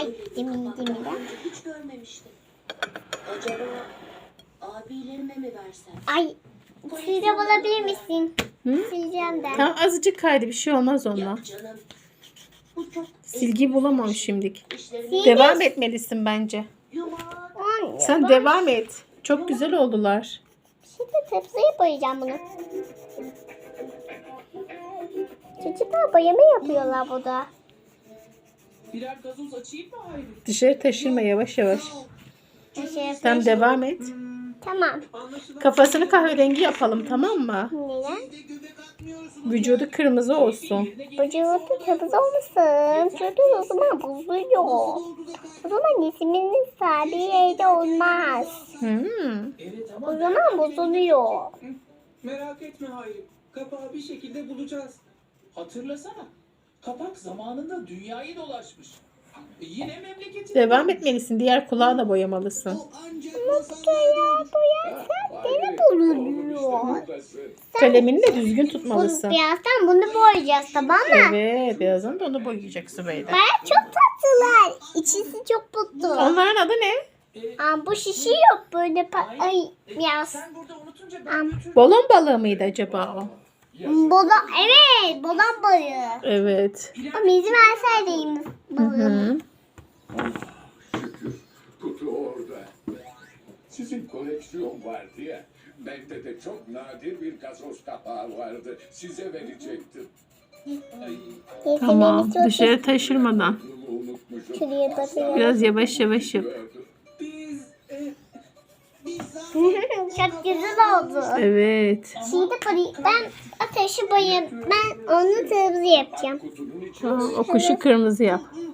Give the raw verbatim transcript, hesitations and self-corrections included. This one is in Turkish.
ettim iyiydim de. Hiç görmemiştim. Acaba abilerime mi versem? Ay sileceğim olabilir misin? Hı? Sileceğim de. Tamam azıcık kaydı bir şey olmaz onunla. Yok canım. Bu çok Silgi bulamam şimdilik. işlerimi Devam etmelisin bence. yumak. Anne, Sen ben devam et. Çok güzel oldular. şimdi tepsiye boyayacağım bunu. Çocuklar boyama yapıyorlar burada. Birer gazoz açayım mı Hayri? Dışarı taşırma yavaş yavaş. Şey, Sen devam et. tamam. Kafasını kahverengi yapalım tamam mı? Neden? Vücudu kırmızı olsun. Vücudu kırmızı olmasın. Çünkü o zaman bozuluyor. O zaman isminin sahibi evde olmaz. Hmm. Evet O ama zaman bozuluyor. merak etme Hayri. Kapağı bir şekilde bulacağız. Hatırlasana. Kapak zamanında dünyayı dolaşmış. E, Yine memleketine Devam dönmüş. etmelisin. Diğer kulağı da boyamalısın. Gene bozuluyor. Kalemini de düzgün Bunu, tutmalısın. birazdan bunu boyayacağız tamam mı? Evet, birazdan da onu boyayacak Sübeyde. Baya çok tatlılar. İçisi çok mutlu. Onların adı ne? Aa, bu şişi yok böyle pa- ay biraz. Sen burada unutunca Am. ben götürdüm. Balon balığı mıydı acaba o? Bola evet bolan balığı. Evet. Ama izin verseydiniz Hı balığımı. hı. Şükür kutu orada. Sizin koleksiyon vardı ya. Bende de çok nadir bir gazoz kapağı vardı. Size verecektim. Tamam. Dışarı taşırmadan. Bunu unutmuşum. Şuraya bakıyorum. Biraz yavaş yavaş yap. Biz e, Çok güzel oldu. Evet. Şimdi parayı ben ateşi boyayıp ben onu kırmızı yapacağım. Kutunun içi Tamam, o kuşu kırmızı yap.